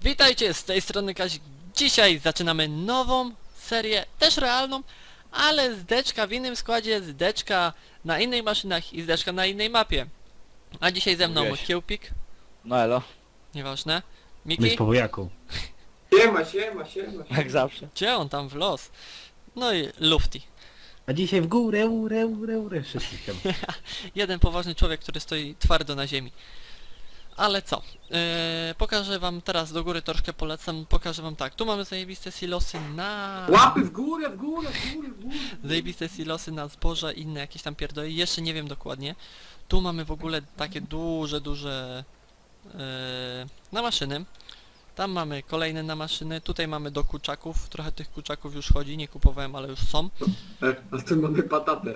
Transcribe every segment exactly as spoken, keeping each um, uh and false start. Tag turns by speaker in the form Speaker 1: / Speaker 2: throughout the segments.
Speaker 1: Witajcie, z tej strony Kazik. Dzisiaj zaczynamy nową serię, też realną, ale z deczka w innym składzie, z deczka na innej maszynach i z deczka na innej mapie. A dzisiaj ze mną
Speaker 2: Mówiłeś.
Speaker 1: Kiełpik,
Speaker 2: No elo,
Speaker 1: nieważne,
Speaker 3: My z
Speaker 1: Miki,
Speaker 3: powojaką.
Speaker 4: Siema, siema, siema.
Speaker 2: jak zawsze.
Speaker 1: gdzie on tam w los, no i Lufty.
Speaker 3: A dzisiaj w górę, urę, urę, urę, wszystkich tam.
Speaker 1: Jeden poważny człowiek, który stoi twardo na ziemi. Ale co? Eee, pokażę wam teraz do góry, troszkę polecam, pokażę wam tak. Tu mamy zajebiste silosy na...
Speaker 4: Łapy w górę, w górę, w górę, w górę.
Speaker 1: Zajebiste silosy na zboże, inne jakieś tam pierdoły, jeszcze nie wiem dokładnie. Tu mamy w ogóle takie duże, duże yy, na maszyny. Tam mamy kolejne na maszyny, tutaj mamy do kurczaków, trochę tych kurczaków już chodzi, nie kupowałem, ale już są.
Speaker 4: E, a tu mamy patatę.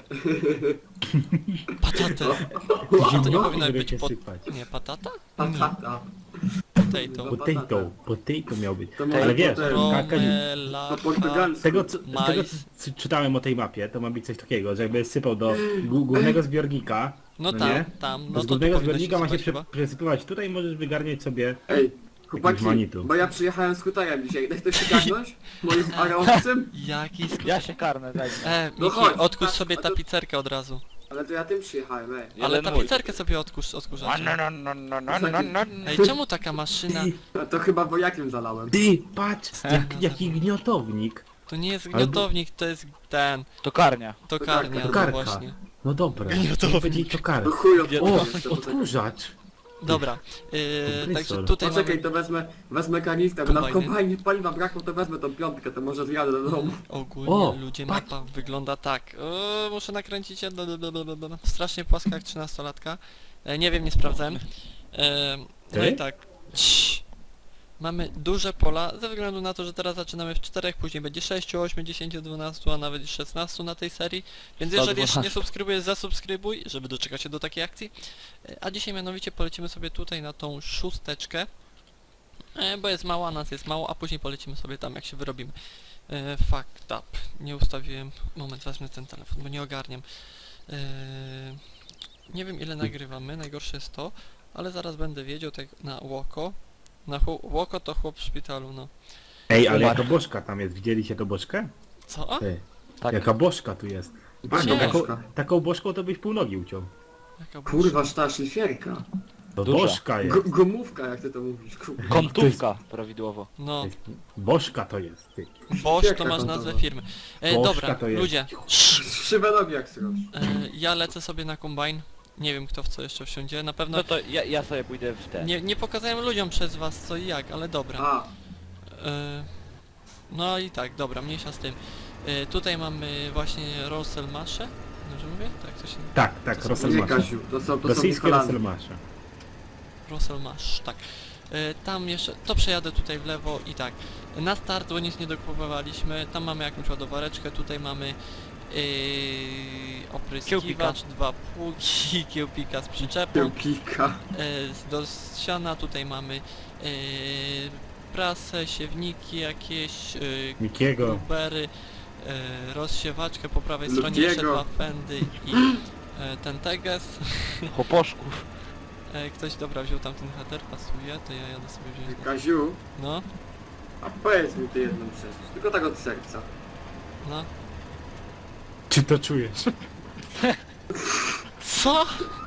Speaker 1: Patatę! To nie
Speaker 3: Zimno
Speaker 1: powinno być
Speaker 3: będziecie
Speaker 1: pot...
Speaker 3: sypać.
Speaker 1: Nie, patata?
Speaker 4: Patata.
Speaker 1: Potato.
Speaker 3: Potato, potato miał być.
Speaker 4: To może
Speaker 3: Ale wiesz,
Speaker 4: potem.
Speaker 3: Kaka-
Speaker 1: Romela...
Speaker 4: Po portugalsku.
Speaker 3: z tego, co, z tego
Speaker 1: Mais.
Speaker 3: co c- czytałem o tej mapie, to ma być coś takiego, że jakby sypał do gó- głównego zbiornika,
Speaker 1: No
Speaker 3: no
Speaker 1: tam,
Speaker 3: nie?
Speaker 1: tam,
Speaker 3: to
Speaker 1: no
Speaker 3: z
Speaker 1: to tu
Speaker 3: głównego
Speaker 1: powinno się
Speaker 3: zbiornika ma się
Speaker 1: sypać
Speaker 3: prze,
Speaker 1: chyba.
Speaker 3: przesypywać tutaj, możesz wygarniać sobie...
Speaker 4: Ej, chłopaki,
Speaker 3: manitu.
Speaker 4: bo ja przyjechałem z hutarem dzisiaj. Daj ktoś się garnąć? Moim arowcem?
Speaker 1: Jaki sk...
Speaker 2: Ja się karnę, daj mi.
Speaker 1: E,
Speaker 4: No
Speaker 1: Miki,
Speaker 4: chodź,
Speaker 1: odkurz
Speaker 4: patrz,
Speaker 1: sobie
Speaker 4: a to-
Speaker 1: tapicerkę od razu.
Speaker 4: Ale to ja tym przyjechałem, ej.
Speaker 1: Ale
Speaker 2: Jeden mój.
Speaker 1: tapicerkę sobie odkurz, odkurzacie.
Speaker 2: No, no, no, no, no, no, no.
Speaker 1: Ej, czemu taka maszyna?
Speaker 3: Ty,
Speaker 4: No to chyba wojakiem zalałem.
Speaker 3: ty, patrz, jak, jaki gniotownik.
Speaker 1: To nie jest
Speaker 3: Albo-
Speaker 1: gniotownik, to jest ten,
Speaker 2: Tokarnia.
Speaker 1: tokarnia, no
Speaker 3: Tokarka.
Speaker 1: właśnie.
Speaker 3: No dobra,
Speaker 1: Gniotownik.
Speaker 3: będzie to kar.
Speaker 4: No chuj od
Speaker 3: O,
Speaker 4: to
Speaker 3: odkurzacz.
Speaker 1: Dobra, yy,
Speaker 3: Kompresor.
Speaker 1: także tutaj
Speaker 4: Poczekaj,
Speaker 1: mamy
Speaker 4: to wezmę, wezmę kanistrę, bo na
Speaker 1: Kombajny.
Speaker 4: kombajnie paliwa brakło, to wezmę tą piątkę, to może zjadę do domu.
Speaker 1: ogólnie
Speaker 3: O,
Speaker 1: ludzie,
Speaker 3: patrz.
Speaker 1: mapa wygląda tak. O, muszę nakręcić się, blablabla. Strasznie płaska jak trzynastolatka. E, nie wiem, nie sprawdzałem. E, no
Speaker 3: Ty?
Speaker 1: i tak. Cii. Mamy duże pola, ze względu na to, że teraz zaczynamy w czterech, później będzie sześć, osiem, dziesięć, dwanaście, a nawet szesnaście na tej serii. Więc jeżeli jeszcze nie subskrybujesz, zasubskrybuj, żeby doczekać się do takiej akcji. E, A dzisiaj mianowicie polecimy sobie tutaj na tą szósteczkę. E, bo jest mało, a nas jest mało, a później polecimy sobie tam, jak się wyrobimy. E, fucked up. Nie ustawiłem... Moment, wezmę ten telefon, bo nie ogarniam. E, nie wiem, ile nagrywamy, najgorsze jest to, ale zaraz będę wiedział tak na łoko. Na chł- łoko to chłop w szpitalu, no.
Speaker 3: Ej, ale
Speaker 2: Umarł.
Speaker 3: jaka bożka tam jest, widzieliście tą bożkę?
Speaker 1: Co?
Speaker 3: Ty,
Speaker 2: Tak.
Speaker 3: jaka bożka tu jest.
Speaker 4: Patrz,
Speaker 1: Nie.
Speaker 3: taką,
Speaker 4: bożka.
Speaker 3: taką bożką to byś pół nogi uciął.
Speaker 1: Jaka
Speaker 4: Kurwa, ta szlifierka.
Speaker 3: To
Speaker 2: Duża.
Speaker 3: bożka jest.
Speaker 4: G gumówka, jak ty to mówisz, kurwa.
Speaker 2: Kątówka, prawidłowo.
Speaker 1: No,
Speaker 3: To jest- Bożka to jest, ty.
Speaker 1: Bosch to
Speaker 4: Jaka
Speaker 1: masz
Speaker 4: kontowa?
Speaker 1: nazwę firmy. E,
Speaker 3: Bożka
Speaker 1: dobra,
Speaker 3: to jest.
Speaker 1: ludzie.
Speaker 4: Szybę nogi jak sroż.
Speaker 1: E, ja lecę sobie na kombajn. Nie wiem, kto w co jeszcze wsiądzie. Na pewno
Speaker 2: No to ja, ja sobie pójdę w ten.
Speaker 1: nie, nie pokazałem ludziom przez was co i jak, ale dobra.
Speaker 4: A,
Speaker 1: E, no i tak, dobra, mniejsza z tym. E, tutaj mamy właśnie Rosselmasze. Dobrze mówię? Tak, to się...
Speaker 3: Tak, tak,
Speaker 1: To są-
Speaker 4: nie
Speaker 3: Rosselmasze.
Speaker 4: Kasiu, to są, to są
Speaker 3: Rosyjskie
Speaker 4: Nikolany.
Speaker 3: Rosselmasze.
Speaker 1: Rosselmasz, tak. E, tam jeszcze, to przejadę tutaj w lewo i tak. Na start, bo nic nie dokupowaliśmy, tam mamy jakąś ładowareczkę, tutaj mamy yy, opryskiwacz, dwa pługi, kiełpika z przyczepą.
Speaker 4: Kiełpika.
Speaker 1: E, z- do siana tutaj mamy e, prasę, siewniki jakieś, e,
Speaker 3: Mikiego.
Speaker 1: grubery, e, rozsiewaczkę po prawej
Speaker 4: Lubiego.
Speaker 1: stronie, jeszcze dwa fendy i e, ten teges.
Speaker 2: Chłoposzków.
Speaker 1: E, ktoś dobra wziął tam ten header, pasuje, to ja jadę sobie wziąć.
Speaker 4: Kaziu,
Speaker 1: No,
Speaker 4: a powiedz mi ty jedną rzecz, tylko tak od serca.
Speaker 1: no.
Speaker 3: Czy to czujesz?
Speaker 1: Co?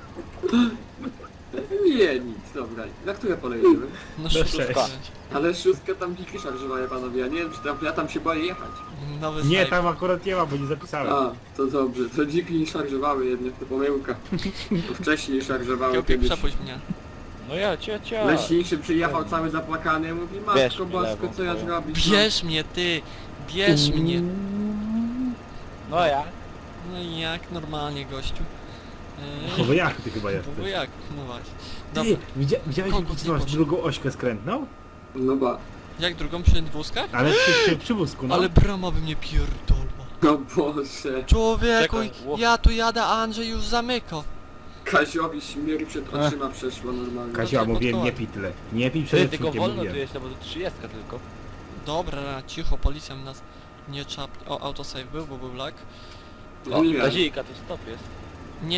Speaker 4: Nie, nic, dobra. Na które pole jedziemy?
Speaker 1: No
Speaker 3: sześć.
Speaker 1: szóstka.
Speaker 4: Ale szóstka tam dziki szarżowaje panowie, ja nie wiem czy tam, ja tam się boję jechać.
Speaker 1: Nowy
Speaker 3: Nie,
Speaker 1: save.
Speaker 3: tam akurat nie ma, bo nie zapisałem.
Speaker 4: A, to dobrze, to dziki nie szarżowały jednak, to pomyłka. To wcześniej szarżowały
Speaker 1: Kiełpik,
Speaker 4: kiedyś.
Speaker 1: przepuść mnie.
Speaker 2: No ja cię, cię.
Speaker 4: Leśniejszy przyjechał cały zapłakany, mówi
Speaker 2: Bierz
Speaker 4: matko
Speaker 2: mi
Speaker 4: bosko,
Speaker 2: lewą
Speaker 4: co ja
Speaker 2: twoją.
Speaker 4: zrobić? no?"
Speaker 1: Bierz mnie, ty! Bierz mnie!
Speaker 2: No ja.
Speaker 1: No i jak? Normalnie, gościu.
Speaker 3: No bo jak ty chyba
Speaker 1: Eee,
Speaker 3: jesteś?
Speaker 1: bo jak? No właśnie.
Speaker 3: Ty,
Speaker 1: Dobra,
Speaker 3: widzia, widziałeś,
Speaker 1: Kogut
Speaker 3: że
Speaker 1: nie
Speaker 3: masz
Speaker 1: poszedł.
Speaker 3: drugą ośkę skrętną?
Speaker 4: No ba,
Speaker 1: jak drugą przy wózkach?
Speaker 3: Ale przy, przy, przy wózku, no.
Speaker 1: Ale brama by mnie pierdolła.
Speaker 4: no Boże.
Speaker 1: Człowieku,
Speaker 2: Czekaj, ło-
Speaker 1: ja tu jadę, a Andrzej już zamyka.
Speaker 4: Kaziowi śmierć przed oczyma przeszła normalnie.
Speaker 3: Kasia,
Speaker 1: tak
Speaker 3: mówiłem, nie
Speaker 1: podkoład.
Speaker 3: pij tyle. Nie pij
Speaker 2: Ty,
Speaker 3: przed
Speaker 2: tylko
Speaker 3: odcinkiem,
Speaker 2: wolno tu
Speaker 3: mówiłem.
Speaker 2: jest, no bo to trzydziestka tylko.
Speaker 1: Dobra, cicho, policja nas nie czap... O, autosave był, bo był lag.
Speaker 2: O,
Speaker 4: Nie.
Speaker 2: Kazika, to stop jest.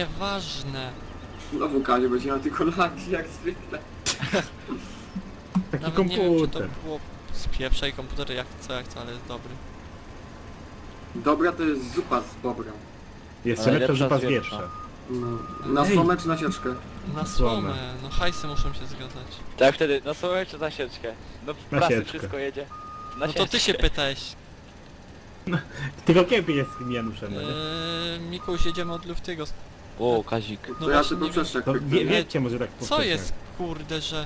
Speaker 1: Nieważne.
Speaker 4: Znowu Kazio będzie miał tylko laki jak zwykle.
Speaker 3: Taki
Speaker 1: Nawet nie wiem, czy to
Speaker 3: komputer.
Speaker 1: było z pierwszej komputery, jak co, jak co, ale jest dobry.
Speaker 4: Dobra to jest zupa z bobra.
Speaker 3: Jeszcze
Speaker 2: Ale
Speaker 3: lepsza
Speaker 2: lepsza
Speaker 3: zupa
Speaker 2: z
Speaker 3: z
Speaker 2: wieprza.
Speaker 3: wieprza.
Speaker 4: No. Na
Speaker 3: Ej.
Speaker 4: słomę czy na sieczkę?
Speaker 1: Na
Speaker 3: Słomę.
Speaker 1: słomę, no hajsy muszą się zgadzać.
Speaker 2: Tak wtedy, na słomę czy na sieczkę? No w
Speaker 3: Na
Speaker 2: prasy
Speaker 3: sieczkę.
Speaker 2: wszystko jedzie. Na
Speaker 1: No to ty się
Speaker 2: sieczkę.
Speaker 1: pytałeś.
Speaker 3: Tylko Kiepi jest z tym Januszem, no nie?
Speaker 1: Eee, Mikuś, jedziemy od Luftiego.
Speaker 2: O, Kazik.
Speaker 1: No
Speaker 4: To ja
Speaker 1: właśnie
Speaker 4: tylko
Speaker 1: nie wiem,
Speaker 4: przeszczek.
Speaker 3: To wie, wiecie może tak
Speaker 1: co
Speaker 3: powszechnie.
Speaker 1: jest, kurde, że...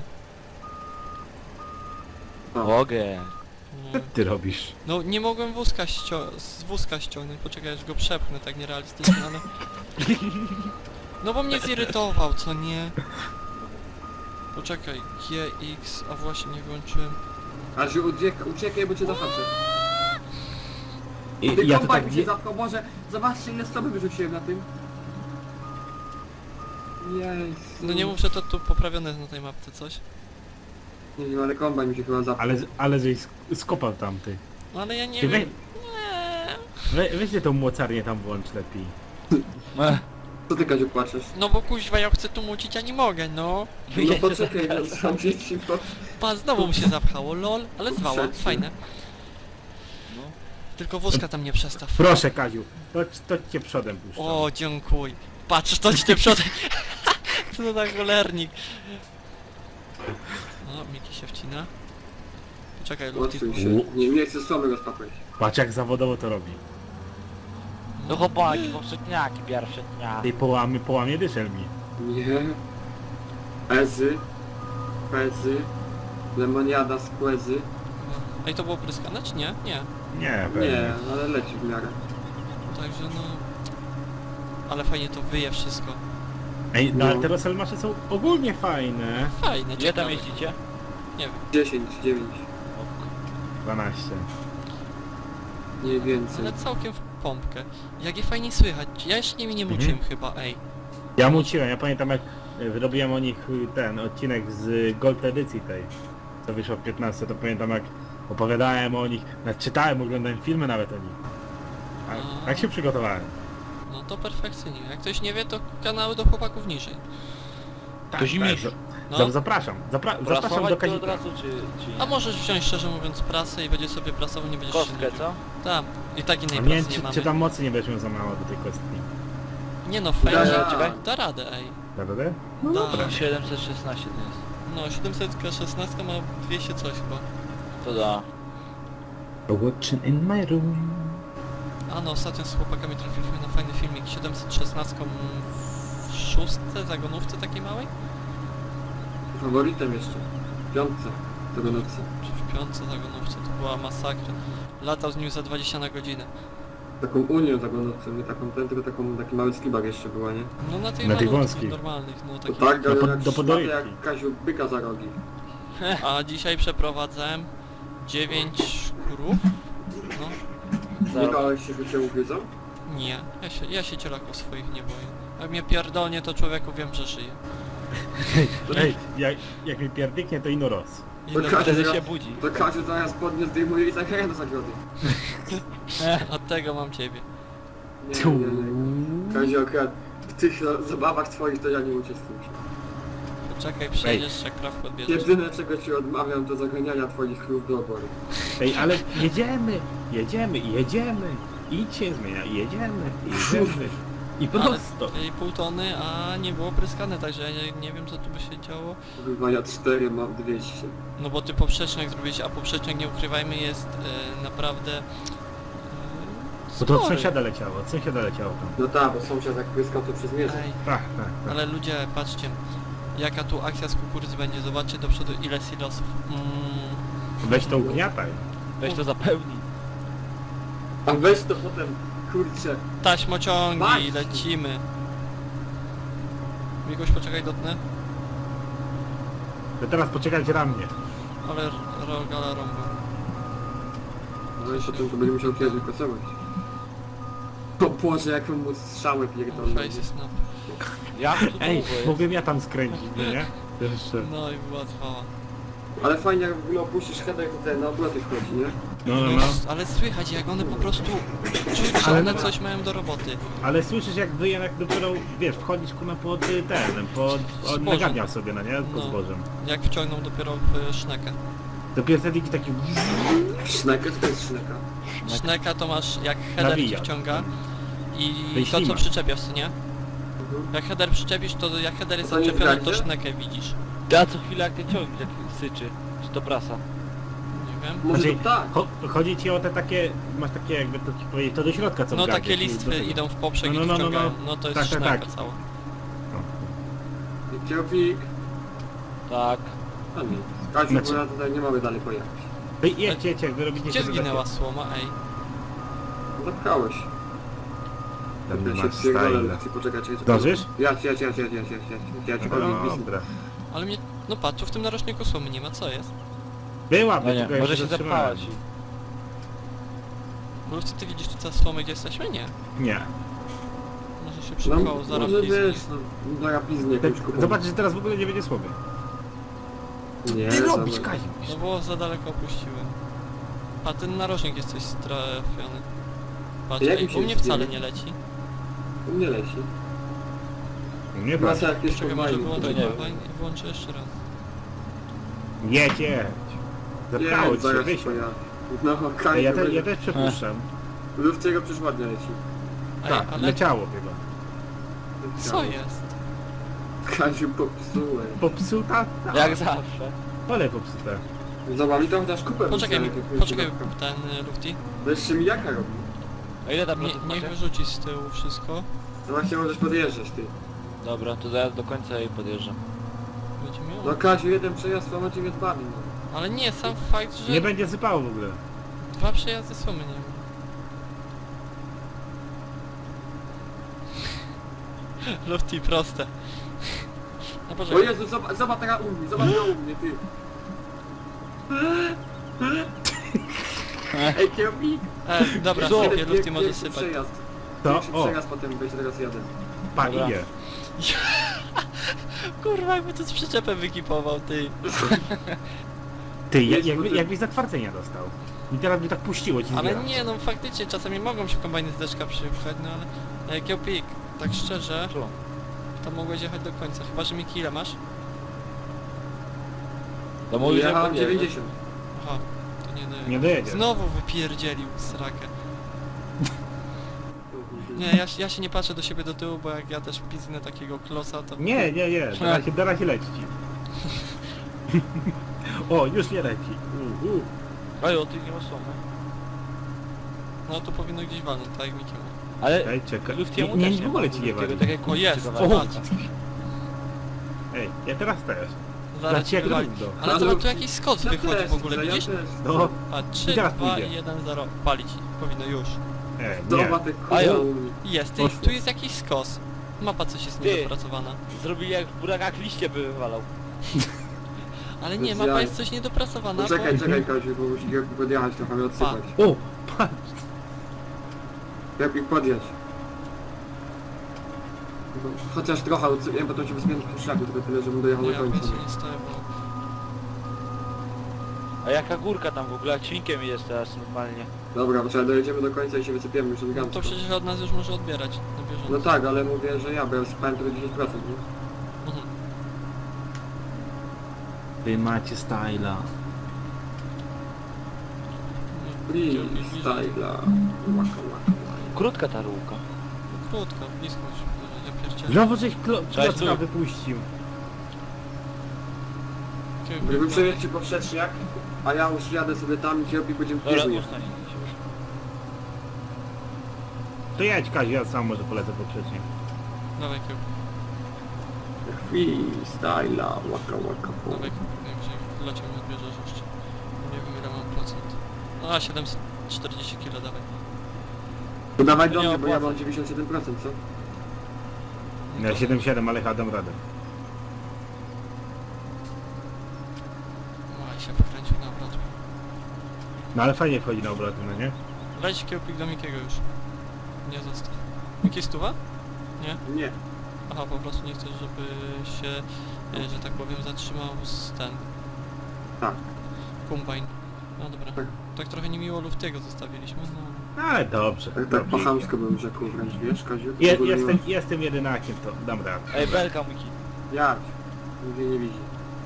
Speaker 2: Mogę.
Speaker 1: No,
Speaker 3: Ty robisz.
Speaker 1: no nie mogłem wózka ścio- z wózka ściągnąć, poczekaj, aż go przepchnę tak nierealistycznie, ale... No bo mnie zirytował, co nie? Poczekaj, G, X, a właśnie nie włączyłem.
Speaker 4: Aż uciekaj, uciekaj, bo cię zahaczę.
Speaker 3: I,
Speaker 4: Ty
Speaker 3: ja to
Speaker 4: kombajn
Speaker 3: tak
Speaker 4: mi się
Speaker 3: wie...
Speaker 4: zapchał, Boże, zobaczcie ile stroby wyrzuciłem na tym. Jej.
Speaker 1: No nie mów, że to tu poprawione jest na tej mapce coś.
Speaker 4: Nie wiem, ale kombajn mi się chyba zapchał.
Speaker 3: Ale, ale żeś sk- skopał tamty.
Speaker 1: No ale ja nie
Speaker 3: Ty we,
Speaker 1: wiem. Nie.
Speaker 3: we, weźcie tą mocarnię tam włącz lepiej.
Speaker 2: Ech.
Speaker 4: Co ty, Kaziu, płaczesz?
Speaker 1: No bo kuźwa, ja chcę tu mucić, a nie mogę, no.
Speaker 4: No poczekaj, no sam dzieci, bo...
Speaker 1: Pa, znowu mu się zapchało, lol, ale zwała,
Speaker 4: Przecież.
Speaker 1: fajne.
Speaker 2: No.
Speaker 1: Tylko wózka tam nie przestaw.
Speaker 3: Proszę Kaziu, to, to cię przodem puszczam.
Speaker 1: O, dziękuj. Patrz, to ci te przodem. Co za cholernik. No, Miki się wcina. Poczekaj, Lufti.
Speaker 4: Odsuń się. Nie, nie chcę stromy rozpapać.
Speaker 3: Patrz jak zawodowo to robi.
Speaker 2: No chłopaki, poprzedniaki pierwsze dnia.
Speaker 3: Tej połamy, połamie dyszel mi.
Speaker 4: Nie. Ezy. Pezy. Lemoniada z kłezy.
Speaker 1: Ej, to było pryskane, czy nie? Nie.
Speaker 3: Nie, pewnie.
Speaker 4: Nie, ale leci w miarę.
Speaker 1: Także no... Ale fajnie to wyje wszystko.
Speaker 3: Ej, no
Speaker 4: No.
Speaker 3: ale te Roselmasze są ogólnie fajne.
Speaker 1: Fajne,
Speaker 2: Gdzie tam
Speaker 1: ciekawe.
Speaker 2: jeździcie?
Speaker 1: Nie wiem.
Speaker 4: dziesięć, dziewięć.
Speaker 3: dwanaście.
Speaker 4: Nie więcej.
Speaker 1: Ale całkiem w pompkę. Jak je fajnie słychać. Ja jeszcze nimi nie muciłem chyba, ej.
Speaker 3: Ja muciłem, ja pamiętam jak e, robiłem o nich y, ten odcinek z Gold edycji tej, co wyszło w piętnaście, to pamiętam jak opowiadałem o nich, nawet czytałem, oglądałem filmy nawet o nich. Tak,
Speaker 1: A.
Speaker 3: tak się przygotowałem.
Speaker 1: No to perfekcyjnie. Jak ktoś nie wie, to kanały do chłopaków niżej.
Speaker 3: Tak,
Speaker 2: To zimniejszy.
Speaker 3: za-
Speaker 1: No.
Speaker 3: za- Zapraszam, zapra zapraszam
Speaker 2: Prasować
Speaker 3: do
Speaker 2: to od
Speaker 3: Kazika.
Speaker 2: razu, czy, czy nie?
Speaker 1: A możesz wziąć szczerze mówiąc prasę i będzie sobie prasował, nie będziesz się
Speaker 2: Kostkę,
Speaker 1: nudził.
Speaker 2: co?
Speaker 1: Tak. I tak innej
Speaker 3: A
Speaker 1: pracy
Speaker 3: nie,
Speaker 1: nie,
Speaker 3: czy,
Speaker 1: mamy.
Speaker 3: czy tam mocy nie będziesz miał za mało do tej kostki.
Speaker 1: Nie no,
Speaker 4: Da,
Speaker 1: fajnie.
Speaker 2: czekaj.
Speaker 1: Da radę, ej.
Speaker 3: Prawda? No
Speaker 1: Da.
Speaker 3: dobra.
Speaker 2: siedemset szesnaście to jest.
Speaker 1: No, siedemset szesnaście ma dwieście coś chyba.
Speaker 2: To da.
Speaker 3: Watching in my room.
Speaker 1: A no, ostatnio z chłopakami trafiliśmy na fajny filmik. siedemset szesnaście w szóstce, zagonówce takiej małej?
Speaker 4: Faworytem jeszcze. W piątce. Tego nocy.
Speaker 1: Czy w piątce zagonówce, to była masakra. Latał z nim za dwadzieścia na godzinę.
Speaker 4: Taką unią tego nocy, nie taką ten, tylko taką, taki mały skibak jeszcze była, nie?
Speaker 1: No na tych
Speaker 3: Na tych
Speaker 1: malutkich,
Speaker 3: wąskich.
Speaker 1: normalnych, no
Speaker 4: To
Speaker 1: takich.
Speaker 4: tak,
Speaker 3: Do
Speaker 4: ale
Speaker 3: pod-
Speaker 4: jak
Speaker 3: do
Speaker 4: szmaty
Speaker 3: podojki.
Speaker 4: jak Kaziu byka za rogi.
Speaker 1: A dzisiaj przeprowadzałem dziewięć krów. No,
Speaker 4: Nie
Speaker 2: Za...
Speaker 4: bałeś się, że cię ugryzą?
Speaker 1: nie. Ja się, ja się cielaków swoich nie boję. Jak mnie pierdolnie, to człowieku wiem, że żyje.
Speaker 3: Ej, jak, jak mi pierdyknie to ino roz.
Speaker 1: I
Speaker 4: To
Speaker 1: no,
Speaker 4: każdy-
Speaker 2: Wtedy się budzi.
Speaker 4: To Kaziu zaraz podnie zdejmuje i zagraje do zagrody.
Speaker 1: od tego mam ciebie.
Speaker 4: Nie, nie, nie. Kaziu akurat w tych no, zabawach twoich to ja nie uczestniczę.
Speaker 1: Poczekaj, przejdziesz, jak prawko odbierzesz.
Speaker 4: Jedyne czego ci odmawiam to zaganiania twoich krów do obory.
Speaker 3: Ej, ale jedziemy, jedziemy, jedziemy. Idźcie zmienia, jedziemy, jedziemy. I prosto.
Speaker 1: Ale i pół tony, a nie było pryskane, także ja nie, nie wiem co tu by się działo.
Speaker 4: Chyba ja cztery mam dwieście.
Speaker 1: No bo ty poprzecznik zrobiłeś, a poprzecznik, nie ukrywajmy, jest e, naprawdę... E,
Speaker 3: Bo to od
Speaker 1: spory.
Speaker 3: sąsiada leciało, od sąsiada leciało tam.
Speaker 4: No tak, bo sąsiad jak pryskał to przez mierze.
Speaker 1: Ej,
Speaker 3: Tak, tak, tak.
Speaker 1: ale ludzie, patrzcie, jaka tu akcja z kukurydzy będzie, zobaczcie do przodu ile silosów. Mm,
Speaker 3: Weź to ugniataj.
Speaker 2: Weź to zapełnij.
Speaker 4: A weź to potem, kurczę.
Speaker 1: taśmociągi,
Speaker 4: Masz.
Speaker 1: lecimy. Mikoś, poczekaj, dotnę.
Speaker 3: To teraz poczekać na mnie.
Speaker 1: Ale rogala rąbu.
Speaker 4: No i potem to będzie musiał kiedyś pracować. O Boże, jak mu strzały pierdolą.
Speaker 1: Face snap.
Speaker 2: Jak tu
Speaker 3: Ej,
Speaker 2: długo jest?
Speaker 3: mogłem ja tam skręcić, no nie? Jeszcze.
Speaker 1: No i była trwała.
Speaker 4: Ale fajnie jak w ogóle opuścisz header, to ten na obroty wchodzi, nie?
Speaker 3: No, no,
Speaker 1: No,
Speaker 3: no.
Speaker 1: ale słychać jak one po prostu czuć, że
Speaker 3: Ale
Speaker 1: one
Speaker 3: no-
Speaker 1: coś mają do roboty.
Speaker 3: Ale słyszysz jak wyje, jak dopiero, wiesz, wchodzisz kurna pod y, ten, pod...
Speaker 1: Zbożem.
Speaker 3: nagadniał sobie, no nie? Pod
Speaker 1: No.
Speaker 3: zbożem.
Speaker 1: Jak wciągną dopiero w sznekę.
Speaker 3: Dopiero wtedy taki...
Speaker 4: Szneka, to jest szneka.
Speaker 1: Szneka to masz jak header ci
Speaker 3: Nawija.
Speaker 1: wciąga
Speaker 3: To
Speaker 1: i
Speaker 3: jest
Speaker 1: to co
Speaker 3: ślimak.
Speaker 1: przyczepiasz, co nie?
Speaker 4: Mhm.
Speaker 1: Jak header przyczepisz, to jak header jest
Speaker 4: To nie
Speaker 1: odczepiony, to
Speaker 4: zgadzie?
Speaker 1: sznekę widzisz.
Speaker 2: Ja co chwilę jak ty ciągniesz, jak syczy. Czy to prasa?
Speaker 1: Nie wiem.
Speaker 4: Może
Speaker 3: Znaczy,
Speaker 4: to tak.
Speaker 3: Cho chodzi ci o te takie, masz takie jakby to ci powiedzieć, to do środka co
Speaker 1: No
Speaker 3: w gardzie,
Speaker 1: takie
Speaker 3: czyli do
Speaker 1: listwy
Speaker 3: tego.
Speaker 1: idą w poprzek
Speaker 3: No,
Speaker 1: i
Speaker 3: no, no, no,
Speaker 1: wciągają.
Speaker 3: no.
Speaker 1: No to jest
Speaker 3: Tak, tak,
Speaker 1: szneka
Speaker 3: tak.
Speaker 1: cała.
Speaker 4: I kiełpik.
Speaker 2: Tak.
Speaker 4: A nie. Kaziu,
Speaker 3: Znaczy-
Speaker 4: bo ja tutaj nie mamy dalej pojechać.
Speaker 3: Wy jedźcie, jedźcie, wy robicie
Speaker 1: Gdzie
Speaker 3: sobie
Speaker 1: zginęła słoma, ej?
Speaker 4: Zapchałeś.
Speaker 3: Tam nie
Speaker 4: Ja
Speaker 3: masz
Speaker 4: się pierdolę,
Speaker 3: style.
Speaker 4: chcę poczekać. czekaj, czekaj.
Speaker 3: Zdążysz?
Speaker 4: Jadź, jadź, jadź, jadź, jadź, jadź, jadź, jadź, jadź,
Speaker 3: No,
Speaker 4: jadź,
Speaker 3: dobra.
Speaker 1: Ale mnie... No patrz, tu w tym narożniku słomy nie ma, co jest?
Speaker 3: Była,
Speaker 2: No nie,
Speaker 3: tylko ja
Speaker 2: może się
Speaker 3: zatrzymałem.
Speaker 2: zapchać.
Speaker 1: Bo ty widzisz tu słomy, gdzie jesteśmy? Nie.
Speaker 3: Nie.
Speaker 1: Może się
Speaker 4: No,
Speaker 1: przypchało, zaraz
Speaker 4: może
Speaker 1: piznie.
Speaker 4: wiesz, no, no ja piznę
Speaker 3: Te,
Speaker 4: jakąś kupą.
Speaker 3: Zobaczysz, że teraz w ogóle nie będzie słowy.
Speaker 4: Nie,
Speaker 3: Ty robisz,
Speaker 4: dobra.
Speaker 3: Kaziu.
Speaker 1: No bo za daleko opuściłem. A ten narożnik jest coś strafiony. Patrz,
Speaker 4: Jak
Speaker 1: ej,
Speaker 4: mi się
Speaker 1: u mnie
Speaker 4: zbiera?
Speaker 1: wcale nie leci.
Speaker 4: U mnie leci.
Speaker 3: Nie da.
Speaker 4: Masa jak jest
Speaker 1: Czekaj, może
Speaker 4: kombajn.
Speaker 1: wyłączę
Speaker 2: to nie
Speaker 1: kombajn i włączę jeszcze raz.
Speaker 3: Jedź, jedź. Zapchało
Speaker 4: Nie,
Speaker 3: ci się,
Speaker 4: zaraz
Speaker 3: wysiądź.
Speaker 4: pojadę. No,
Speaker 3: Ej,
Speaker 4: Kaziu,
Speaker 3: Ja, te,
Speaker 4: będzie-
Speaker 3: ja też przepuszczam.
Speaker 4: Lufciego przecież ładnie leci.
Speaker 1: Ej,
Speaker 3: Tak,
Speaker 1: ale
Speaker 3: leciało chyba.
Speaker 1: co jest?
Speaker 4: Kaziu, popsułem.
Speaker 3: Popsuta? Tak.
Speaker 2: Jak zawsze.
Speaker 3: Ale popsute.
Speaker 4: Zobacz, mi to chociaż kupę
Speaker 1: Poczekaj, mi,
Speaker 4: wysłałem, jak
Speaker 1: poczekaj
Speaker 4: już
Speaker 1: ten y, Lufti.
Speaker 4: To jeszcze mi jaka robi?
Speaker 2: A ile tam
Speaker 1: Nie,
Speaker 2: procent
Speaker 1: niech
Speaker 2: macie?
Speaker 1: wyrzuci z tyłu wszystko.
Speaker 4: No właśnie możesz podjeżdżać ty.
Speaker 2: Dobra, to zaraz do końca i podjeżdżam.
Speaker 1: Będzie miał.
Speaker 4: No Kaziu, jeden przejazd, a macie mnie dbami, no.
Speaker 1: Ale nie, sam fakt, że
Speaker 3: Nie będzie sypało w ogóle.
Speaker 1: dwa przejazdy słomy nie ma. Lufti, proste. No
Speaker 4: O
Speaker 1: poczekaj.
Speaker 4: Jezu, zobacz, zobacz teraz u mnie, zobacz u mnie, ty. Ej, kierownik!
Speaker 1: E, dobra,
Speaker 2: Co?
Speaker 1: sypie, Lufti
Speaker 4: Pierwszy
Speaker 1: może sypać.
Speaker 4: przejazd.
Speaker 3: To,
Speaker 4: Pierwszy
Speaker 3: o,
Speaker 4: przejazd, potem będzie teraz jadę.
Speaker 3: pa,
Speaker 2: Dobra.
Speaker 3: idzie.
Speaker 1: Kurwa, jakby to z przyczepem wykipował, ty.
Speaker 3: Ty, jak,
Speaker 4: Jedź,
Speaker 3: jakby,
Speaker 4: bo ty-
Speaker 3: jakbyś zatwardzenia dostał. I teraz by tak puściło ci
Speaker 1: Ale
Speaker 3: zbiera.
Speaker 1: nie, no faktycznie czasami mogą się kombajny z deszka przypchać, no ale... E, Kiełpik, tak szczerze,
Speaker 2: Co?
Speaker 1: to mogłeś jechać do końca, chyba że Miki ile masz?
Speaker 2: To mówisz, że
Speaker 4: Jechałem
Speaker 2: podjeżdżasz.
Speaker 4: dziewięćdziesiąt.
Speaker 1: Aha, to nie dojedzie.
Speaker 3: Nie dojedzie.
Speaker 1: Znowu wypierdzielił srakę. Nie, ja, się- ja się nie patrzę do siebie do tyłu, bo jak ja też piznę takiego klosa, to...
Speaker 3: Nie, nie, nie, teraz się, teraz się leci ci. O, już nie leci. Uh, uh.
Speaker 2: Oj, o ty nie ma słomy.
Speaker 1: No to powinno gdzieś walnąć, tak jak Miki mówi.
Speaker 2: Ale
Speaker 3: Ej, czekaj.
Speaker 2: Luftiemu
Speaker 3: Nie,
Speaker 2: też
Speaker 3: nie, w ogóle
Speaker 2: ma.
Speaker 3: ci nie
Speaker 2: Luftiego
Speaker 3: wali.
Speaker 2: tak jak
Speaker 1: O,
Speaker 2: kurczę
Speaker 1: jest,
Speaker 2: wywali.
Speaker 3: o.
Speaker 1: patrz.
Speaker 3: Ej, ja teraz też.
Speaker 1: Zaraz
Speaker 3: Znaczy,
Speaker 1: ci
Speaker 3: jak
Speaker 1: wywali.
Speaker 3: równo.
Speaker 1: Ale
Speaker 4: Ale
Speaker 1: zobacz, tu jakiś skos
Speaker 4: Ja
Speaker 1: wychodzi
Speaker 4: też
Speaker 1: w ogóle,
Speaker 4: chcę, ja
Speaker 1: widzisz?
Speaker 4: też
Speaker 3: No,
Speaker 1: A trzy,
Speaker 3: I teraz
Speaker 1: dwa,
Speaker 3: pójdzie.
Speaker 1: jeden, zero. Palić. Powinno już.
Speaker 3: e, nie.
Speaker 4: Zobacz, ty
Speaker 2: Ajo.
Speaker 4: kurwa u mnie.
Speaker 1: Jest, ty,
Speaker 3: Poszło.
Speaker 1: tu jest jakiś skos. Mapa coś jest
Speaker 2: Ty.
Speaker 1: niedopracowana.
Speaker 2: Zrobili jak w burakach liście by wywalał.
Speaker 1: Ale nie,
Speaker 4: Bez
Speaker 1: mapa
Speaker 4: jaj.
Speaker 1: jest coś niedopracowana,
Speaker 4: No czekaj,
Speaker 1: bo...
Speaker 4: czekaj Kaziu, bo musi kierownik podjechać trochę, mnie odsypać.
Speaker 3: O, patrz.
Speaker 4: Kierownik podjedź. No, chociaż trochę odsypię, bo to się wyspię w szlaku, tylko tyle, żebym dojechał
Speaker 1: Nie,
Speaker 4: do
Speaker 1: ja
Speaker 4: końca.
Speaker 1: więcej nie stoję, bo...
Speaker 2: A jaka górka tam w ogóle, jak ćwinkiem jest teraz normalnie.
Speaker 4: Dobra, bo trzeba dojedziemy do końca i się wysypiemy już
Speaker 1: No
Speaker 4: elegancko.
Speaker 1: to przecież od nas już może odbierać na bieżąco.
Speaker 4: No tak, ale mówię, że ja, bo ja wysypałem tylko dziesięć procent, nie?
Speaker 1: Mhm.
Speaker 3: Wy macie styla.
Speaker 4: Freestyla. Łaka, łaka, łaka.
Speaker 2: Krótka ta rurka.
Speaker 1: Krótko, blisko się, ja pierdzielę.
Speaker 3: Znowu żeś klo
Speaker 2: Cześć,
Speaker 3: klocka
Speaker 2: tu.
Speaker 3: wypuścił.
Speaker 4: Gdyby przejeździć poprzeczniak, a ja już jadę sobie tam i kierownik będzie w
Speaker 2: Dobra,
Speaker 4: biegu
Speaker 2: ustań.
Speaker 3: To jedź, Kaziu, ja sam może polecę poprzecznie.
Speaker 1: Dawaj kieł,
Speaker 4: Freestyla, łaka, łaka,
Speaker 1: dawaj kieł, najwyżej w locie mi odbierzesz jeszcze. Nie wiem ile mam procent. No a siedemset czterdzieści kilo, dawaj.
Speaker 4: To dawaj
Speaker 2: To
Speaker 4: do
Speaker 2: nie
Speaker 4: mnie, bo ja
Speaker 2: opłaca.
Speaker 4: mam dziewięćdziesiąt siedem procent, co?
Speaker 3: Ja siedem siedem, ale chyba dam radę.
Speaker 1: Oj, się wykręcił na obrotę.
Speaker 3: No ale fajnie wchodzi na obroty, no nie?
Speaker 1: Weź kiełpik do Mikiego już. Nie zostaw. Miki stuwa? Nie?
Speaker 4: Nie.
Speaker 1: Aha, po prostu nie chcesz, żeby się, e, że tak powiem, zatrzymał z ten...
Speaker 4: Tak.
Speaker 1: Kombajn. No dobra.
Speaker 4: Tak.
Speaker 1: Tak trochę niemiło Luftiego zostawiliśmy, no.
Speaker 3: Ale dobrze.
Speaker 4: Tak, tak
Speaker 3: dobrze.
Speaker 4: po chamsku bym rzekł wręcz, wiesz, Kaziu? W
Speaker 3: Je,
Speaker 4: ogóle nie
Speaker 3: jestem,
Speaker 4: ma-
Speaker 3: jestem jedynakiem, to dam radę.
Speaker 2: Ej, belka mój kit.
Speaker 4: Jak? Nigdy nie widzi.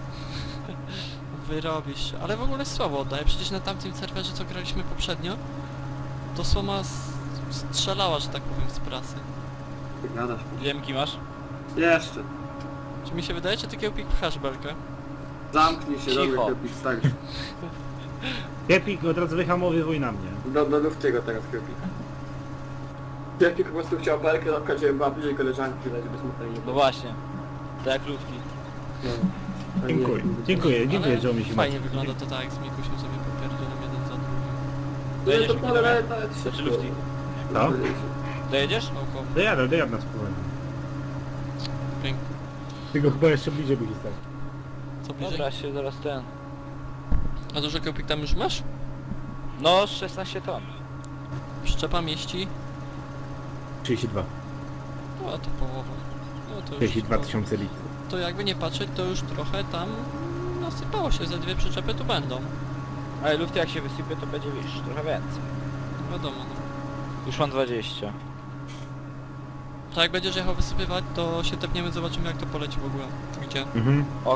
Speaker 1: Wyrobisz się. Ale w ogóle słabo oddaję. Przecież na tamtym serwerze, co graliśmy poprzednio, to Słoma s- strzelała, że tak powiem, z prasy.
Speaker 4: Ty gadasz.
Speaker 2: Lemki masz?
Speaker 4: Jeszcze.
Speaker 1: Czy mi się wydaje, czy ty Kiełpik pchasz belkę?
Speaker 4: Zamknij się,
Speaker 2: Cicho.
Speaker 4: dobry Kepik, starszy.
Speaker 3: Kepik od razu wyhamowywuj na mnie.
Speaker 4: Do, do Luftiego teraz Kepik. Kepik po prostu chciał belkę, na przykład, żeby była bliżej koleżanki, żeby smutno nie
Speaker 2: No
Speaker 4: było.
Speaker 2: właśnie. Tak jak Lufti.
Speaker 4: No. A nie-
Speaker 3: Dziękuję, dziękuję, dziękuję,
Speaker 1: Ale
Speaker 3: że mi się
Speaker 1: fajnie
Speaker 3: macie.
Speaker 1: wygląda to tak, jak z Mikusiem sobie popierdzielem jeden za drugim.
Speaker 4: No
Speaker 2: Dojedziesz
Speaker 4: to
Speaker 2: mi
Speaker 4: pole
Speaker 2: do
Speaker 4: nawet nawet
Speaker 2: Znaczy
Speaker 4: szybko.
Speaker 2: Lufti.
Speaker 3: Co?
Speaker 2: Dojedziesz?
Speaker 1: Naukowo.
Speaker 3: Dojadę, dojadę na spokojnie.
Speaker 1: Pięknie.
Speaker 3: Tylko chyba jeszcze bliżej by stał.
Speaker 1: Co bliżej?
Speaker 2: Dobra, się zaraz ten.
Speaker 1: A dużo Kiełpik tam już masz?
Speaker 2: No, szesnaście ton.
Speaker 1: Przyczepa mieści?
Speaker 3: trzydzieści dwa.
Speaker 1: No to połowa. No to już...
Speaker 3: trzydzieści dwa tysiące litrów.
Speaker 1: To jakby nie patrzeć, to już trochę tam nasypało się, ze dwie przyczepy tu będą.
Speaker 2: Ale Lufti jak się wysypie, to będzie, wiesz, trochę więcej.
Speaker 1: Wiadomo, no.
Speaker 2: Już mam dwadzieścia.
Speaker 1: To jak będziesz jechał wysypywać, to się tepniemy, zobaczymy jak to poleci w ogóle. Gdzie?
Speaker 3: Mhm.
Speaker 2: Ok.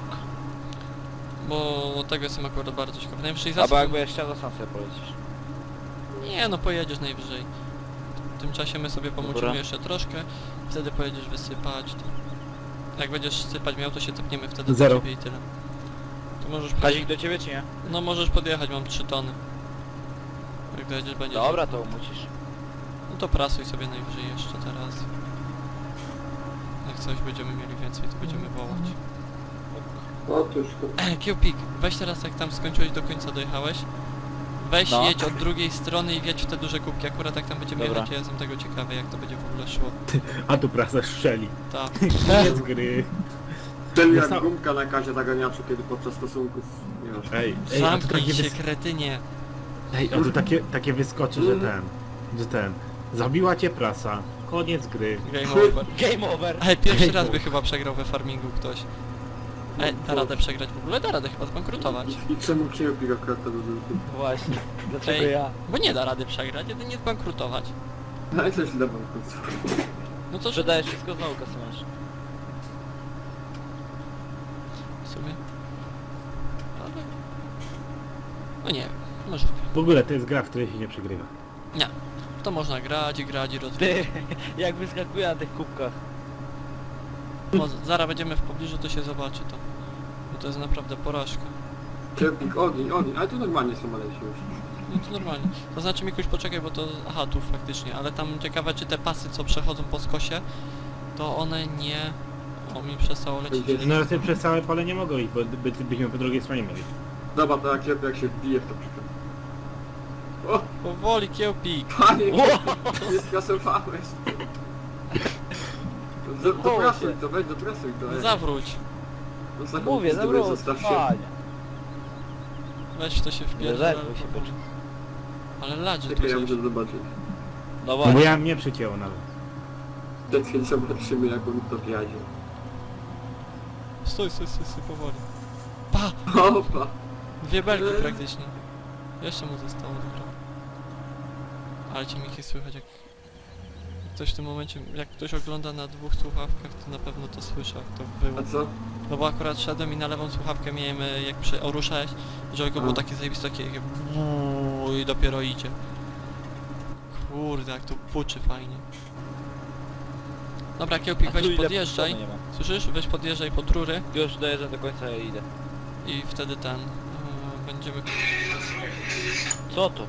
Speaker 1: Bo tego jestem akurat bardzo ciekaw. Najwyżej
Speaker 2: Albo
Speaker 1: zasyp...
Speaker 2: jakby jeszcze sam sobie polecisz.
Speaker 1: Nie no, pojedziesz najwyżej. W tym czasie my sobie pomucimy
Speaker 2: Dobra.
Speaker 1: jeszcze troszkę. Wtedy pojedziesz wysypać. To... Jak będziesz sypać miał, to się tepniemy wtedy do
Speaker 3: Zero.
Speaker 1: ciebie i tyle. To możesz...
Speaker 2: Kazik do ciebie czy nie?
Speaker 1: No możesz podjechać, mam trzy tony. Jak dojedziesz, będziesz...
Speaker 2: Dobra, to umucisz.
Speaker 1: No to prasuj sobie najwyżej jeszcze teraz. Jak coś będziemy mieli więcej, to będziemy wołać.
Speaker 4: Otóż to.
Speaker 1: E, Kiełpik, weź teraz jak tam skończyłeś, do końca dojechałeś. Weź
Speaker 2: No.
Speaker 1: jedź od drugiej strony i wjedź w te duże kubki. Akurat jak tam będziemy
Speaker 2: Dobra.
Speaker 1: jechać, ja jestem tego ciekawy, jak to będzie w ogóle szło.
Speaker 3: A tu prasa strzeli.
Speaker 1: Ta.
Speaker 3: Koniec gry.
Speaker 4: Ten jak
Speaker 3: Został-
Speaker 4: gumka na kazie zaganiaczu, kiedy podczas stosunków, nie wiesz.
Speaker 3: Ej, ej, a tu
Speaker 1: Zamknij
Speaker 3: takie,
Speaker 1: się,
Speaker 3: wys...
Speaker 1: kretynie.
Speaker 3: ej, a tu takie, takie wyskoczy, że ten, że ten. Zabiła cię prasa. Koniec gry.
Speaker 1: Game over.
Speaker 2: Game over!
Speaker 1: Ej, pierwszy
Speaker 3: Game
Speaker 1: raz by
Speaker 3: over.
Speaker 1: chyba przegrał we farmingu ktoś. Ej, da radę przegrać w ogóle? Da radę chyba zbankrutować.
Speaker 4: I czemu Kepik akurat to był?
Speaker 2: Właśnie. Dlaczego
Speaker 1: Ej.
Speaker 2: ja?
Speaker 1: Bo nie da rady przegrać, jedynie zbankrutować.
Speaker 4: Ale coś dla banków.
Speaker 1: No to że
Speaker 2: Sprzedajesz wszystko znowu kasy masz.
Speaker 1: w sumie. Ale... No nie wiem, może.
Speaker 3: W ogóle to jest gra, w której się nie przegrywa.
Speaker 1: Nie. To można grać i grać i rozwijać.
Speaker 2: Ty, jak wyskakuje na tych kubkach.
Speaker 1: No, zaraz będziemy w pobliżu, to się zobaczy to. Bo to jest naprawdę porażka.
Speaker 4: Kepik, ogień, ogień, ale tu normalnie są malejsi już.
Speaker 1: No to normalnie. To znaczy Mikuś, poczekaj, bo to... Aha, tu faktycznie, ale tam ciekawe, czy te pasy, co przechodzą po skosie, to one nie... O, mi przestało lecieć.
Speaker 3: No ale ty przez całe pole nie mogą iść, bo by, byśmy po drugiej stronie mieli.
Speaker 4: Dobra, to jak Kepik jak się wbije w to przykład. O,
Speaker 1: Powoli, Kiełpik!
Speaker 4: panie, Kepik, nie skasowałeś. Do, doprasuj to, weź doprasuj to. ej.
Speaker 1: Zawróć!
Speaker 4: No, za
Speaker 2: Mówię,
Speaker 4: chłopcy,
Speaker 2: dobra,
Speaker 4: zostaw się.
Speaker 2: fajnie.
Speaker 1: Weź to się wpierdol.
Speaker 2: Rezerwuj się, byczku.
Speaker 1: Ale ladzi tu
Speaker 4: Czekaj, ja
Speaker 1: coś.
Speaker 4: muszę zobaczyć.
Speaker 2: No
Speaker 3: No bo
Speaker 2: właśnie.
Speaker 3: ja mnie przycięło nawet.
Speaker 4: Przed chwilą zobaczymy jak on to jadzie.
Speaker 1: Stój, stój, stój, stój, powoli. Pa!
Speaker 4: Opa!
Speaker 1: Dwie belki praktycznie. Jeszcze mu zostało, dobra. Ale ci Miki słychać jak... Ktoś w tym momencie, jak ktoś ogląda na dwóch słuchawkach, to na pewno to słyszy, jak to było.
Speaker 4: A co?
Speaker 1: No bo akurat szedłem i na lewą słuchawkę miałem, e, jak przy, oruszałeś, że go było
Speaker 4: A.
Speaker 1: takie zajebiste, takie takie buuu i dopiero idzie. Kurde, jak to puczy fajnie. Dobra, Kiełpik,
Speaker 2: A tu
Speaker 1: weź
Speaker 2: ile
Speaker 1: podjeżdżaj.
Speaker 2: nie ma.
Speaker 1: Słyszysz? Weź podjeżdżaj pod rury
Speaker 2: Już dojeżdżam do końca i idę.
Speaker 1: i wtedy ten... e, będziemy...
Speaker 2: Co to?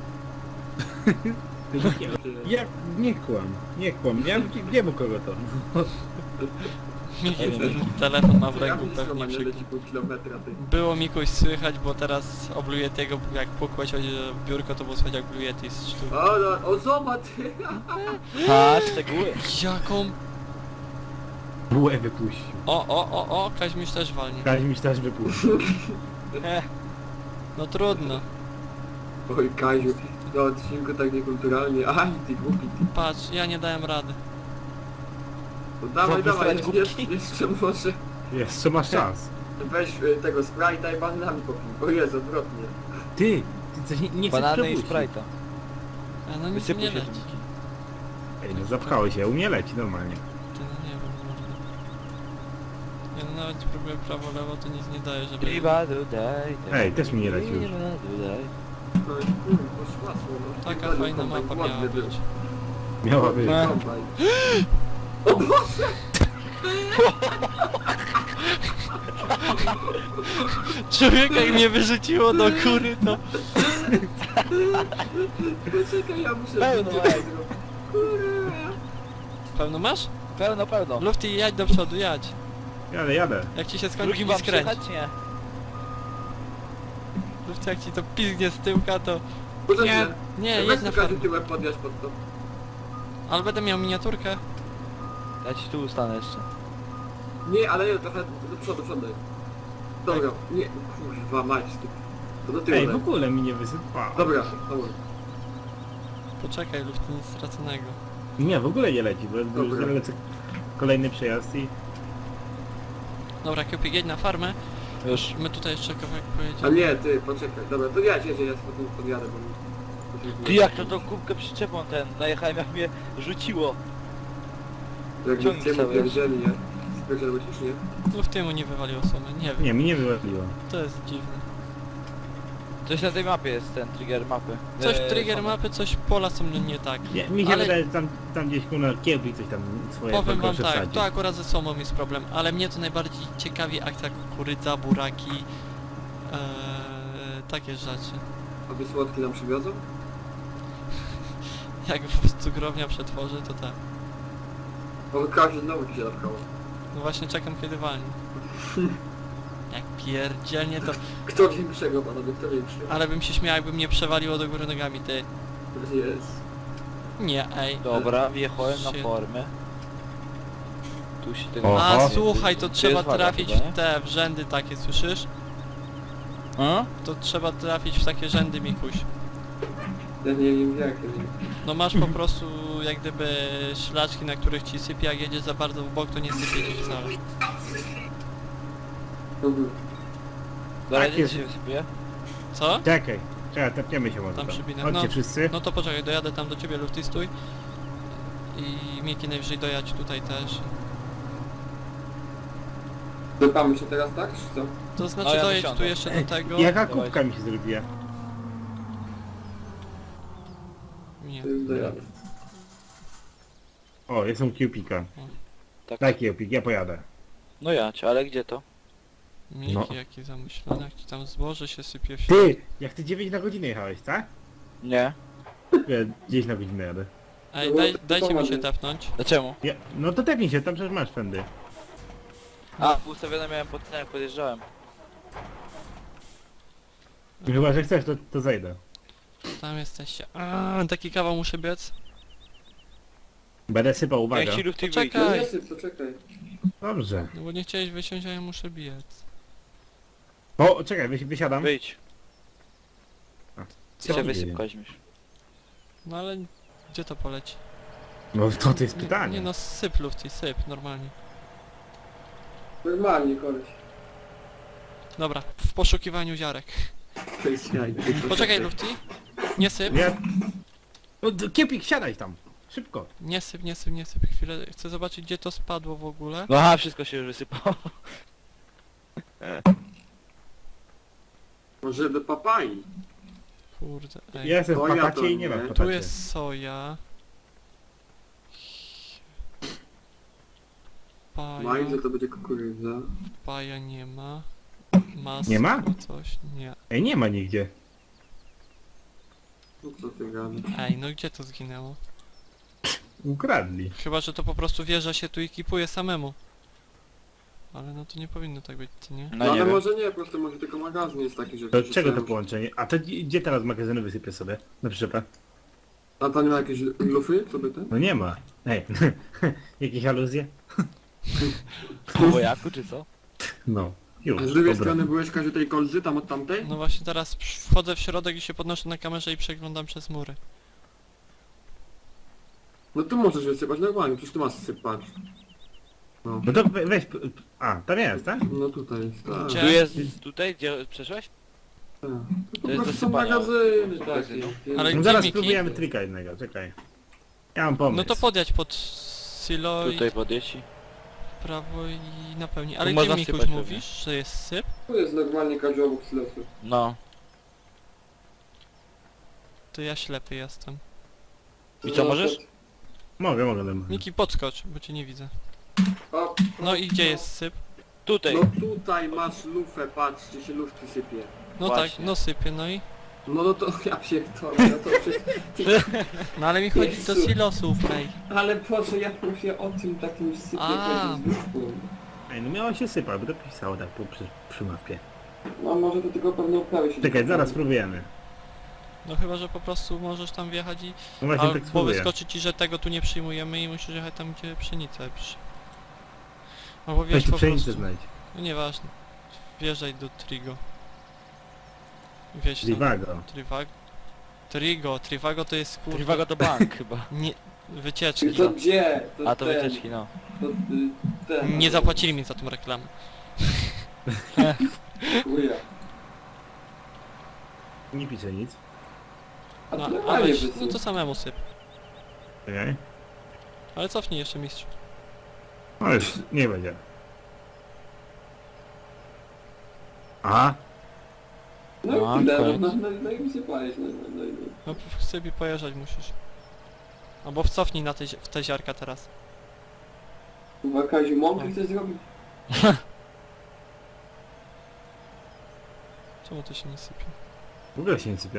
Speaker 3: Ja nie kłam, nie kłam, ja wiem u kogo to.
Speaker 1: Miki telefon ma w
Speaker 4: Ja
Speaker 1: ręku
Speaker 4: nic
Speaker 1: pewnie
Speaker 4: nie
Speaker 1: przy...
Speaker 4: leci pół kilometra ty.
Speaker 1: Było Mikuś słychać, bo teraz o Blue Yetiego, jak pukłeś o biurko, to było słychać jak Blue Yeti z sztuk.
Speaker 4: O, no, o zobacz!
Speaker 2: A, szczegóły.
Speaker 1: Jaką...
Speaker 3: Bułę wypuścił.
Speaker 1: O, o, o, o, Kaźmiś też walnie.
Speaker 3: Kaźmiś też wypuścił.
Speaker 2: He,
Speaker 1: No trudno.
Speaker 4: Oj Kaziu, na odcinku tak niekulturalnie. Aj, ty głupi ty.
Speaker 1: Patrz, ja nie dałem rady.
Speaker 4: No, dawaj,
Speaker 2: Co,
Speaker 4: dawaj,
Speaker 2: wysłać
Speaker 4: jeszcze,
Speaker 2: głupki?
Speaker 4: jeszcze może.
Speaker 3: Jeszcze masz czas.
Speaker 4: Weź y, tego Sprite'a i bananami popij. O Jezu, odwrotnie.
Speaker 3: Ty, ty coś nie, nie chcesz
Speaker 2: Banany i
Speaker 3: przepuścić.
Speaker 2: Sprite'a.
Speaker 1: A no nic
Speaker 2: Wysypuj
Speaker 1: nie
Speaker 2: się
Speaker 1: leci.
Speaker 2: Miki.
Speaker 3: Ej, no zapchało się, u mnie leci normalnie.
Speaker 1: Ty no nie wiem, może. Ja no nawet próbuję prawo, lewo, to nic nie daje, żeby...
Speaker 2: Driba tutaj.
Speaker 3: Ej, też mi nie leci już.
Speaker 2: Driba tutaj.
Speaker 4: No i mm, poszła słowo.
Speaker 1: Taka fajna mapa miała być.
Speaker 3: Miała być.
Speaker 2: No.
Speaker 4: O Boże!
Speaker 1: Człowiek jak mnie wyrzuciło do góry, to...
Speaker 4: Poczekaj, ja muszę...
Speaker 2: Pełno,
Speaker 4: zdjęcie
Speaker 2: ej.
Speaker 4: zrobić. Kurwa.
Speaker 1: Pełno masz?
Speaker 2: Pełno, pełno.
Speaker 1: Lufty, jadź do przodu, jadź.
Speaker 3: Jadę, jadę.
Speaker 1: Jak ci się skończy,
Speaker 2: Drugim
Speaker 1: nie
Speaker 2: wam
Speaker 1: skręć.
Speaker 2: przyjechać? Nie.
Speaker 1: Lufty, jak ci to pizgnie z tyłka, to...
Speaker 4: Poczekaj.
Speaker 1: Nie,
Speaker 4: Weź
Speaker 1: jedź na
Speaker 4: tu każdy
Speaker 1: farmę.
Speaker 4: tyłek podjazd pod to.
Speaker 1: Ale będę miał miniaturkę.
Speaker 2: Ja ci tu ustanę jeszcze.
Speaker 4: Nie, ale nie, trochę do przodu, przodaj. Dobra, nie, kurwa mać, ty. To do tyłu
Speaker 3: Ej, w
Speaker 4: daj.
Speaker 3: ogóle mi nie wysypało.
Speaker 4: Dobra, dobra.
Speaker 1: Poczekaj, Lufty, nic straconego.
Speaker 3: Nie, w ogóle nie leci, bo bo już
Speaker 4: Dobra.
Speaker 3: lecę kolejny przejazd i...
Speaker 1: Dobra, Kiełpik, jedź na farmę.
Speaker 2: Już.
Speaker 1: My tutaj jeszcze kawałek
Speaker 4: A
Speaker 1: pojedziemy.
Speaker 4: nie, ty, poczekaj. Dobra, to ja jedzie, ja potem podjadę, bo mi...
Speaker 2: Ty jak to tą kubkę przyczepą ten, najechałem jak mnie rzuciło.
Speaker 4: Jak
Speaker 2: ciągnij
Speaker 4: cię
Speaker 2: sobie.
Speaker 4: pierdzieli, nie? Spierdzielłeś już, nie?
Speaker 1: Lufty mu nie wywaliło sumy, nie wiem.
Speaker 3: Nie, mi nie wyłapiło.
Speaker 1: To jest dziwne.
Speaker 2: Coś na tej mapie jest, ten trigger mapy.
Speaker 1: Coś
Speaker 2: Eee,
Speaker 1: trigger
Speaker 2: są-
Speaker 1: mapy, coś pola są nie tak.
Speaker 3: Nie, mi się
Speaker 1: Ale-
Speaker 3: wydaje, że tam, tam gdzieś kuna kiełbi coś tam swoje
Speaker 1: Powiem wam
Speaker 3: proszę
Speaker 1: tak,
Speaker 3: wsadzić.
Speaker 1: to akurat ze słomą jest problem, ale mnie to najbardziej ciekawi akcja kukurydza, buraki, ee, takie rzeczy.
Speaker 4: A wy słodki nam przywiozą?
Speaker 1: Jak w cukrownia przetworzy, to tak.
Speaker 4: Bo każdy znowu ci się napkało.
Speaker 1: No właśnie czekam kiedy walnie. Jak pierdzielnie to...
Speaker 4: Kto większego, panowie, kto większy?
Speaker 1: Ale bym się śmiał, jakby mnie przewaliło do góry nogami, ty.
Speaker 4: Jest.
Speaker 1: Nie, ej.
Speaker 2: Dobra, wjechałem na
Speaker 1: Shit.
Speaker 2: formę. Tu się tego...
Speaker 1: A
Speaker 3: Oho.
Speaker 1: słuchaj, to trzeba
Speaker 2: jest waga
Speaker 1: trafić
Speaker 2: chyba, nie?
Speaker 1: w te w rzędy takie, słyszysz?
Speaker 2: A?
Speaker 1: To trzeba trafić w takie rzędy, Mikuś.
Speaker 4: Ja nie wiem jak, ja nie
Speaker 1: No masz po prostu jak gdyby szlaczki, na których ci sypie, jak jedzie za bardzo w bok, to nie sypie ci wcale.
Speaker 4: wiem.
Speaker 2: Dobra,
Speaker 3: Tak
Speaker 2: gdzie
Speaker 3: jest.
Speaker 2: się wysypuje?
Speaker 1: Co?
Speaker 3: Czekaj, czekaj, tepniemy się może
Speaker 1: Tam
Speaker 3: tam.
Speaker 1: przybinę.
Speaker 3: Chodźcie
Speaker 1: No.
Speaker 3: wszyscy.
Speaker 1: No to poczekaj, dojadę tam do ciebie, Lufty, stój. I Miki najwyżej dojadź tutaj też.
Speaker 4: Dopamy się teraz, tak? Czy co?
Speaker 1: To znaczy
Speaker 2: No, ja
Speaker 1: dojedź
Speaker 2: wysiądę.
Speaker 1: tu jeszcze do tego.
Speaker 3: Jaka
Speaker 2: Dawaj.
Speaker 3: kubka mi się zrobiła?
Speaker 1: Nie.
Speaker 4: To już dojadę.
Speaker 3: O, jestem kiełpika.
Speaker 2: Tak.
Speaker 3: Daj kiełpik, ja pojadę.
Speaker 2: No ja cię, ale gdzie to?
Speaker 1: Miki,
Speaker 3: No.
Speaker 1: jaki zamyślony, jak ci tam zboże się sypie w
Speaker 3: Ty! Jak ty dziewięć na godzinę jechałeś, tak?
Speaker 2: Nie.
Speaker 3: Ja dziesięć na godzinę jadę.
Speaker 1: Ej,
Speaker 4: No,
Speaker 1: daj,
Speaker 4: to
Speaker 1: dajcie mi się
Speaker 4: pomaga.
Speaker 1: tepnąć.
Speaker 2: Dlaczego?
Speaker 3: Ja, no to tepnij się, tam przecież masz fendy.
Speaker 2: A, ustawione miałem pod ten, jak podjeżdżałem.
Speaker 3: Chyba, że chcesz, to, to zejdę.
Speaker 1: Tam jesteście. A, taki kawał muszę biec.
Speaker 3: Będę sypał, uwaga.
Speaker 2: Jak ci lufty
Speaker 1: Poczekaj.
Speaker 2: wyjdzie.
Speaker 4: No nie syp, poczekaj.
Speaker 3: Dobrze.
Speaker 1: No bo nie chciałeś wysiąść, a ja muszę biec.
Speaker 3: O, czekaj, wysi- wysiadam.
Speaker 2: Wyjdź.
Speaker 1: Co?
Speaker 2: Cię
Speaker 3: nie
Speaker 2: wysyp
Speaker 3: wiem.
Speaker 2: weźmiesz.
Speaker 1: No ale gdzie to poleci?
Speaker 3: No to to jest
Speaker 1: Nie,
Speaker 3: pytanie.
Speaker 1: nie no, syp Lufty, syp, normalnie.
Speaker 4: Normalnie, koleś.
Speaker 1: Dobra, w poszukiwaniu ziarek.
Speaker 4: To jest jaj.
Speaker 1: Poczekaj Lufty. Nie syp,
Speaker 3: Ja... No, d- Kiepik, siadaj tam. Szybko.
Speaker 1: nie syp, nie syp, nie syp. Chwilę, chcę zobaczyć gdzie to spadło w ogóle.
Speaker 2: No aha, wszystko się już wysypało.
Speaker 4: Może do papai.
Speaker 1: Kurde, ej.
Speaker 3: Ja jestem w
Speaker 4: To ja
Speaker 3: patacie
Speaker 4: to
Speaker 3: i nie ma
Speaker 4: nie.
Speaker 3: w
Speaker 1: Tu
Speaker 3: patacie.
Speaker 1: jest soja. Paja,
Speaker 4: Majdzie to będzie kukurydza.
Speaker 1: paja nie ma. Masło,
Speaker 3: Nie ma?
Speaker 1: coś, nie.
Speaker 3: Ej, nie ma nigdzie.
Speaker 4: No co ty gadasz?
Speaker 1: Ej, no gdzie to zginęło?
Speaker 3: Ukradli.
Speaker 1: Chyba, że to po prostu wieża się tu ekipuje samemu. Ale no to nie powinno tak być, co nie?
Speaker 2: No
Speaker 4: No
Speaker 2: nie
Speaker 4: ale
Speaker 2: wiem.
Speaker 4: może nie, po prostu może tylko magazyn jest taki, że...
Speaker 3: To
Speaker 4: że
Speaker 3: czego to
Speaker 4: sobie-
Speaker 3: połączenie? A to gdzie gdzie teraz magazyny wysypię sobie? Na przyczepę?
Speaker 4: A tam nie ma jakieś lufy? Co by te?
Speaker 3: No nie ma. Ej, jakieś aluzje?
Speaker 2: Po wojaku czy co?
Speaker 3: No. Już,
Speaker 4: A z drugiej
Speaker 3: dobra.
Speaker 4: strony byłeś każdy tej kolzy tam od tamtej?
Speaker 1: No właśnie teraz przy- wchodzę w środek i się podnoszę na kamerze i przeglądam przez mury.
Speaker 4: No tu możesz wysypać normalnie, przecież tu masz sypać. No,
Speaker 3: No to we- weź... p- A, tam jest, tak?
Speaker 4: no tutaj jest, tak.
Speaker 1: Gdzie?
Speaker 2: Tu jest, tutaj, gdzie przeszłeś?
Speaker 4: tak. To
Speaker 2: To
Speaker 4: po
Speaker 2: jest
Speaker 4: prostu są
Speaker 2: dosypania
Speaker 4: magazyny takie.
Speaker 2: magazynu.
Speaker 1: Ale
Speaker 3: No
Speaker 1: gdzie
Speaker 3: zaraz
Speaker 1: Miki?
Speaker 3: spróbujemy trika jednego, czekaj. Ja mam pomysł.
Speaker 1: No to podjadź pod silo i
Speaker 2: Tutaj podjeździ.
Speaker 1: w prawo i napełni. Ale
Speaker 2: Tu
Speaker 1: gdzie
Speaker 2: można
Speaker 1: Mikuś
Speaker 2: sypać
Speaker 1: mówisz, że jest syp?
Speaker 4: Tu jest normalnie kadzio obok silosu.
Speaker 2: No.
Speaker 1: To ja ślepy jestem.
Speaker 2: I co, możesz?
Speaker 3: Mogę, mogę. Mogę.
Speaker 1: Miki, podskocz, bo cię nie widzę.
Speaker 4: O,
Speaker 1: No i gdzie jest syp?
Speaker 2: Tutaj.
Speaker 4: no tutaj masz lufę, patrz, czy się lufki sypie.
Speaker 1: No
Speaker 2: Właśnie.
Speaker 1: tak, no sypie, no i...
Speaker 4: No no to ja pierdolę, no to przecież...
Speaker 1: No ale mi chodzi do
Speaker 4: Jezu.
Speaker 1: silosów, ej.
Speaker 4: Ale Boże, ja mówię o tym takim sypie
Speaker 1: A.
Speaker 4: chodzi z lufką.
Speaker 3: Ej, no miało się sypać, bo to pisało tak po, przy, przy mapie.
Speaker 4: No może to tylko pewne uprawy się...
Speaker 3: Czekaj, zaraz spróbujemy.
Speaker 1: No chyba, że po prostu możesz tam wjechać i...
Speaker 3: No właśnie tak
Speaker 1: Albo
Speaker 3: spróbuję.
Speaker 1: wyskoczy ci, że tego tu nie przyjmujemy i musisz jechać tam, gdzie pszenicę przy... Albo
Speaker 3: Weź
Speaker 1: wjeźdź
Speaker 3: tu
Speaker 1: po
Speaker 3: pszenicę
Speaker 1: prostu...
Speaker 3: znajdź.
Speaker 1: No nieważne. Wjeżdżaj do Trigo. Wjeźdź tam.
Speaker 3: Trivago.
Speaker 1: Trivago. Trigo, Trivago to jest kurde...
Speaker 2: Trivago to bank chyba.
Speaker 1: Nie... Wycieczki.
Speaker 4: To gdzie? To
Speaker 2: A to
Speaker 4: ten,
Speaker 2: wycieczki, no.
Speaker 4: To, y, ten.
Speaker 1: Nie zapłacili mi za tą reklamę.
Speaker 4: Chuja.
Speaker 3: Nie piszę nic.
Speaker 4: A
Speaker 1: No,
Speaker 4: to
Speaker 1: a
Speaker 4: normalnie
Speaker 1: weź,
Speaker 4: wysyp.
Speaker 1: no to samemu syp.
Speaker 3: Czekaj.
Speaker 1: Ale cofnij jeszcze mistrz.
Speaker 3: No już, nie będzie. Aha.
Speaker 4: No i
Speaker 2: No,
Speaker 4: tyle, no,
Speaker 2: koniec.
Speaker 4: no, no, no i wysypałeś, no, no, no, i- no.
Speaker 1: No w sobie pojeżdżać musisz. Albo wcofnij na te, zi- w te ziarka teraz.
Speaker 4: Chyba Kaziu mąkę chcesz zrobić?
Speaker 1: Czemu to się nie sypie?
Speaker 3: W ogóle się nie sypie.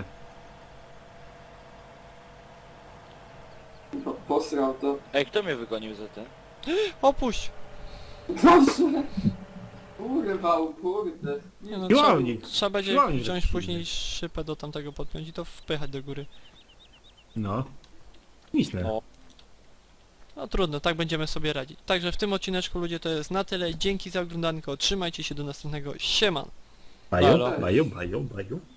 Speaker 4: Chyba posrał to.
Speaker 2: Ej, kto mnie wygonił za ten?
Speaker 1: Opuść!
Speaker 4: Proszę! Urwał, kurde.
Speaker 1: Nie no, trzeba,
Speaker 3: Siłownik.
Speaker 1: trzeba będzie
Speaker 3: Siłownik
Speaker 1: wziąć
Speaker 3: zepsuty.
Speaker 1: później szypę do tamtego podpiąć i to wpychać do góry.
Speaker 3: No. Myślę.
Speaker 2: No.
Speaker 1: No trudno, tak będziemy sobie radzić. Także w tym odcineczku ludzie to jest na tyle. Dzięki za oglądanko, trzymajcie się do następnego. Siema!
Speaker 3: Baju,
Speaker 2: Halo.
Speaker 3: baju, baju, baju.